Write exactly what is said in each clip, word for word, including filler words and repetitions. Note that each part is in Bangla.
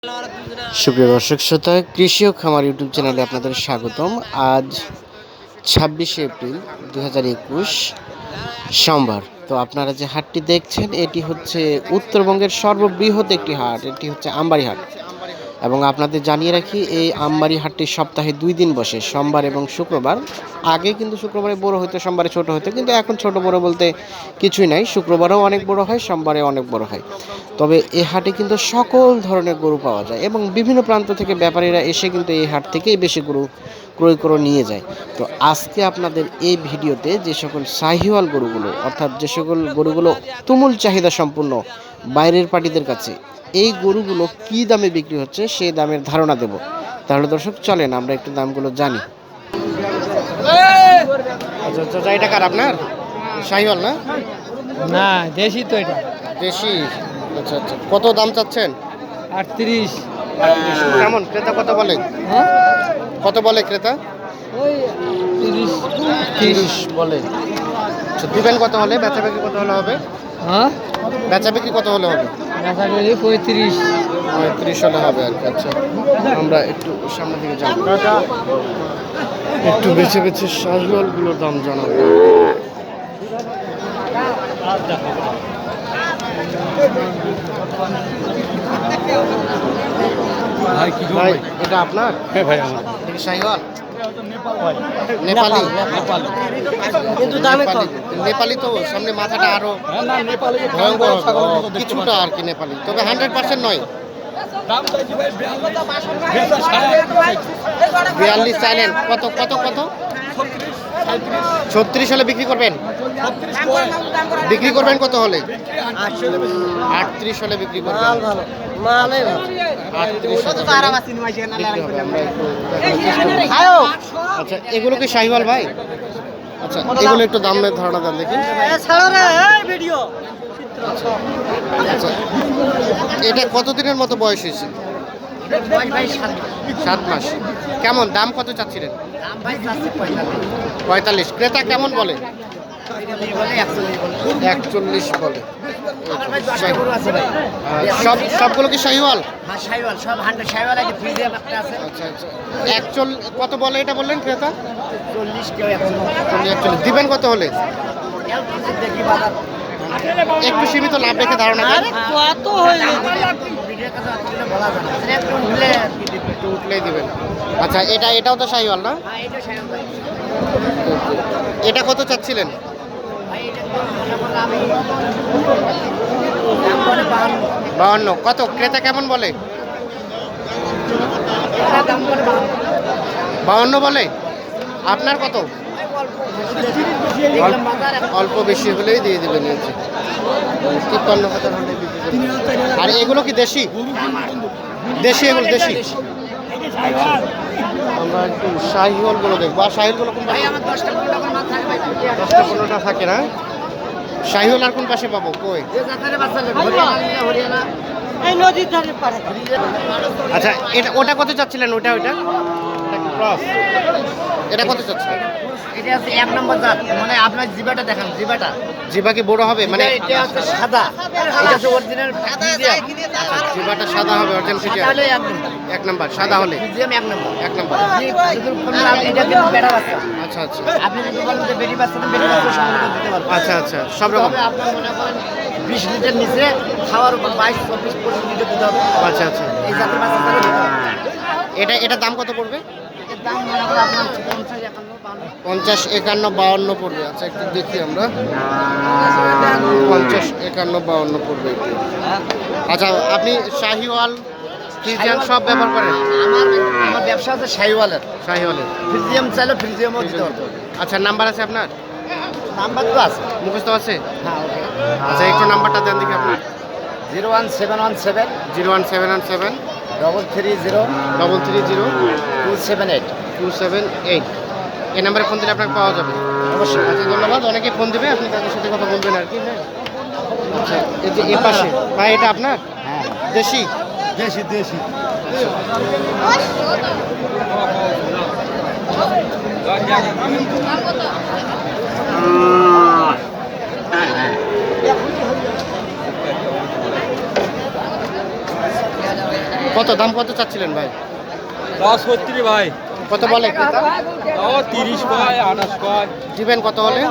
সুপ্রিয় দর্শক শ্রোতা, কৃষি ও খামার ইউটিউব চ্যানেলে আপনাদের স্বাগতম। আজ ছাব্বিশে এপ্রিল দু হাজার একুশ সোমবার। তো আপনারা যে হাটটি দেখছেন এটি হচ্ছে উত্তরবঙ্গের সর্ববৃহৎ একটি হাট, এটি হচ্ছে আমবাড়ি হাট। এবং আপনাদের জানিয়ে রাখি, এই আমবাড়ি হাটটি সপ্তাহে দুই দিন বসে, সোমবার এবং শুক্রবার। আগে কিন্তু শুক্রবারে বড় হতো, সোমবারে ছোট হতো, কিন্তু এখন ছোট বড় বলতে কিছুই নাই। শুক্রবারেও অনেক বড় হয়, সোমবারে অনেক বড় হয়। তবে এই হাটে কিন্তু সকল ধরনের গরু পাওয়া যায় এবং বিভিন্ন প্রান্ত থেকে ব্যাপারীরা এসে কিন্তু এই হাট থেকেই বেশি গরু ক্রয় করে নিয়ে যায়। তো আজকে আপনাদের এই ভিডিওতে যে সকল শাহিওয়াল গরুগুলো, অর্থাৎ যে সকল গরুগুলো তুমুল চাহিদা সম্পূর্ণ বাইরের পার্টিদের কাছে, এই গরুগুলো কি দামে বিক্রি হচ্ছে সেই দামের ধারণা দেব। তাহলে দর্শক চলেন আমরা একটু দামগুলো জানি। আচ্ছা আচ্ছা, এটা কার আপনার? শাহিওয়াল না? না, দেশি তো এটা। দেশি? আচ্ছা আচ্ছা, কত দাম চাচ্ছেন? আটত্রিশ। কেমন ক্রেতা কত বলে? হ্যাঁ, কত বলে ক্রেতা? ওই তিরিশ। তিরিশ বলে। আচ্ছা, দিবেন কত হলে? বেচা বিক্রি কত হলে হবে? হ্যাঁ, বেচা বিক্রি কত হলে হবে? আশা করি পঁয়ত্রিশ। পঁয়ত্রিশ হলে হবে আর কি। আচ্ছা, আমরা একটু সামনে দিকে যাবো, একটু বেছে বেছে শাহিওয়ালগুলোর দাম জানাবো। ভাই, এটা আপনার? হ্যাঁ ভাই, আমার এটা কি শাহিওয়াল? নেপালি? কিন্তু দামে কম। নেপালি তো সামনে মাথাটা আরো ভয়ঙ্কর হবে কিছুটা আর কি নেপালি, তবে হান্ড্রেড পার্সেন্ট নয়। বিয়াল্লিশ চাইলেন? কত কত কত? ছত্রিশ হলে বিক্রি করবেন? বিক্রি করবেন কত হলে? আটত্রিশ হলে বিক্রি করবেন? আচ্ছা, এগুলো কি শাহিওয়াল ভাই? আচ্ছা, এগুলো একটু দামের ধারণা দেন দেখি। আচ্ছা, এটা কতদিনের মতো বয়স হয়েছে? সাত মাস। কেমন দাম কত চাচ্ছিলেন? পঁয়তাল্লিশ। ক্রেতা কেমন বলে? একচল্লিশ বলে। সব সবগুলো কি শাহিওয়াল? আচ্ছা আচ্ছা, একচল্লিশ কত বলে এটা বললেন ক্রেতা? একচল্লিশ। দিবেন কত হলে? একটু সীমিত লাভ রেখে ধারণা দেন। একটু উঠলেই দিবেন। আচ্ছা, এটা এটাও তো শাহিওয়াল না? এটা কত চাচ্ছিলেন? বাহান্ন। কত ক্রেতা কেমন বলে? বাহান্ন বলে। আপনার কত? অল্প বেশি হলেই দিয়ে দেবেন। তিপ্পান্ন হাজার হলে বিক্রি করবেন। আর এগুলো কি দেশি? দেশি, এগুলো দেশি। আমরা একটু শাহিওয়ালগুলো দেখবো। আর শাহিওয়ালগুলো কোন পাশে? দশটা পনেরোটা থাকে না? শাহিওয়াল আর কোন পাশে পাবো? কই? আচ্ছা, এটা ওটা কত চাচ্ছিলেন? ওটা ওইটা এটা কত চাচ্ছিলেন? এটা হচ্ছে এক নম্বর জাত, মানে আপনার জিবাটা দেখেন, জিবাটা জিবা কি বড় হবে? মানে এটা হচ্ছে সাদা, এটা হচ্ছে অরিজিনাল ফ্রিজিয়াম। জিবাটা সাদা হবে, অরিজিনাল ফ্রিজিয়াম তাহলে এক নম্বর, এক নাম্বার সাদা হলে ফ্রিজিয়াম এক নম্বর। এক নাম্বার। যদি বলেন আপনি এটা কিন্তু বেটা বাচ্চা, আচ্ছা আচ্ছা আপনি যদি বলেন যে বেটি বাচ্চা, তো বেটি বাচ্চা সংগ্রহ দিতে পারবেন। আচ্ছা আচ্ছা, সব রকম। তবে আপনি মনে করেন বিশ লিটার নিচে খাওয়ার উপর বাইশ চব্বিশ পঁচিশ লিটার দিতে হবে। আচ্ছা আচ্ছা, এই জাতের বাচ্চা তাহলে দিতে হবে। এটা এটা দাম কত পড়বে? এর দাম মনে করেন আপনার পঞ্চাশ একান্ন বান্ন। পঞ্চাশ একান্ন বাউন্ন পড়বে। আচ্ছা, একটু দেখি আমরা। পঞ্চাশ একান্ন বাউন্ন পড়বে একটু। আচ্ছা, আপনি শাহিওয়াল ফ্রিজিয়ান সব ব্যবহার করেন? আমার আমার ব্যবসা হচ্ছে শাহিওয়ালের। শাহিওয়ালের ফ্রিজিয়াম চাইলে ফ্রিজিয়ামও দিতে পারবো। আচ্ছা, নাম্বার আছে আপনার? নাম্বার তো আছে। মুখস্থ আছে? হ্যাঁ, ওকে। আচ্ছা, একটু নাম্বারটা দেন দেখি আপনার। Zero one seven one seven zero one seven one seven double three zero double three zero two seven eight. Two seven eight. এই নাম্বারে ফোন দিলে আপনাকে পাওয়া যাবে অবশ্যই। আচ্ছা, ধন্যবাদ। অনেকে ফোন দেবে, আপনি তাদের সাথে কথা বলবেন আর কি। হ্যাঁ, আচ্ছা, এই যে এ পাশে ভাই, এটা আপনার? হ্যাঁ, দেশি? দেশি দেশি। কত দাম কত চাচ্ছিলেন ভাই? দশ সত্তর ভাই। কত বলে ক্রেতা? ও তিরিশ কয়, আঠাশ কয়। দিবেন কত হলে?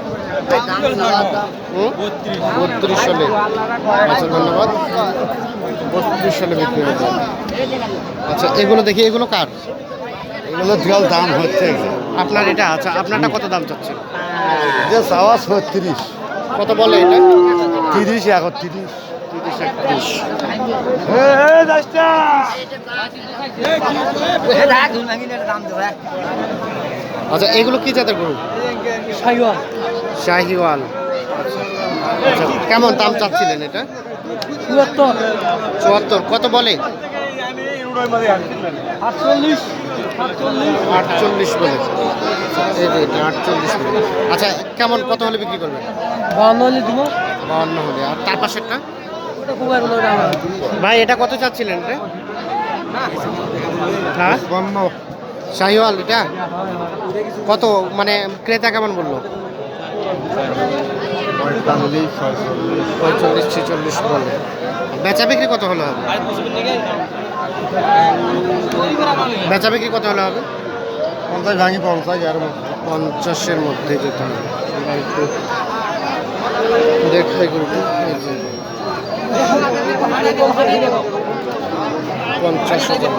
হুম? বত্রিশ। বত্রিশ হলে। আচ্ছা ধন্যবাদ। বত্রিশ হলে বিক্রি হবে। আচ্ছা এগুলো দেখি, এগুলো কার? এগুলো জল দাম হচ্ছে আপনার এটা? আচ্ছা আপনারটা কত দাম চাচ্ছেন? যে চাওয়া ছত্রিশ, কত বলে এটা? তিরিশ, একত্রিশ। তিরিশ একত্রিশ। আচ্ছা এগুলো কি জাতের গরু? সাইওয়াল। শাহিওয়াল। আচ্ছা কেমন দাম চাচ্ছিলেন এটা? চুয়াত্তর। চুয়াত্তর। কত বলে? আটচল্লিশ। আটচল্লিশ। আটচল্লিশ বলে। এই যে এটা আটচল্লিশ বলে। আচ্ছা কেমন কত হলে বিক্রি করবেন? বাউন্ন হলে দিব। বাউন্ন হলে। আর তার পাশেরটা? ওটা কুমার বলে ওটা আমার। ভাই এটা কত চাচ্ছিলেন রে? হ্যাঁ শাহিওয়াল এটা কত, মানে ক্রেতা কেমন বললো? পঁয়তাল্লিশ, ছয়চল্লিশ। পঁয়তাল্লিশ ছেচল্লিশ বলে। বেচা বিক্রি কত হলে হবে? বেচা বিক্রি কত হলে হবে? পঞ্চাশ ভাঙি পঞ্চাশ আর পঞ্চাশের মধ্যে যেতে হবে। আমরা একটু দেখাই করবো। এই যে পঞ্চাশ হাজার।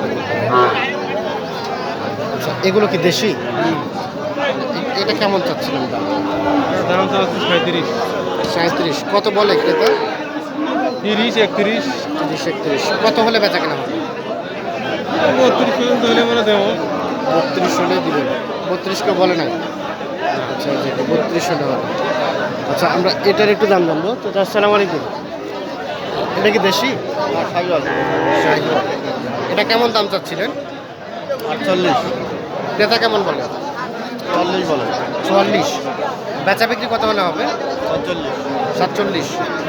আচ্ছা এগুলো কি দেশি? এটা কেমন চাচ্ছিলেন দাম? দাম চাচ্ছে সাঁত্রিশ। সাঁত্রিশ। কত বলে ক্রেতা? তিরিশ, একত্রিশ। তিরিশ একত্রিশ। কত হলে বেচা কেনা হবে? বত্রিশ পর্যন্ত হলে মানে দেবো। বত্রিশ হলে দিবেন। বত্রিশ কেউ বলে নাই? আচ্ছা যেটা বত্রিশ হলে হবে। আচ্ছা আমরা এটার একটু দাম জানবো। তো আসসালামু আলাইকুম। এটা কি দেশি? শাহিওয়াল। এটা কেমন দাম চাচ্ছিলেন? আটচল্লিশ, ক্রেতা কেমন বলে? চল্লিশ বলে। চুয়াল্লিশ। বেচা বিক্রি কত হলে হবে? সাতচল্লিশ। সাতচল্লিশ।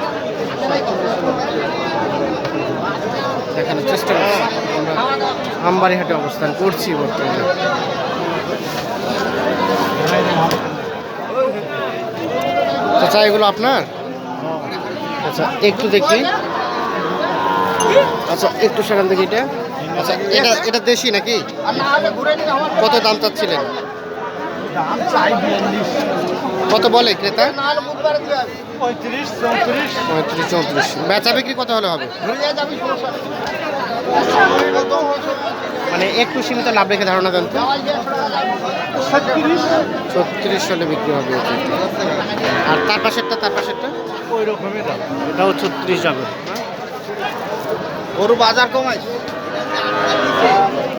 দেখানোর চেষ্টা করছি। আমরা আমবাড়িহাটে অবস্থান করছি বর্তমানে। আচ্ছা এগুলো আপনার? আচ্ছা একটু দেখি। আচ্ছা একটু সেখান থেকে এটা। আচ্ছা এটা এটা দেশি নাকি? কত দাম চাচ্ছিলেন? কত বলে ক্রেতা? পঁয়ত্রিশ, চৌত্রিশ। পঁয়ত্রিশ চৌত্রিশ। বেচা বিক্রি কত হলে হবে? মানে একটু সীমিত লাভ রেখে ধারণা দেন তো। ছত্রিশ হলে বিক্রি হবে এটা। আর তার পাশেরটা? তার পাশেরটা ওই রকমই দাম। এটাও ছত্রিশ যাবে। গরু বাজার কমাইছে।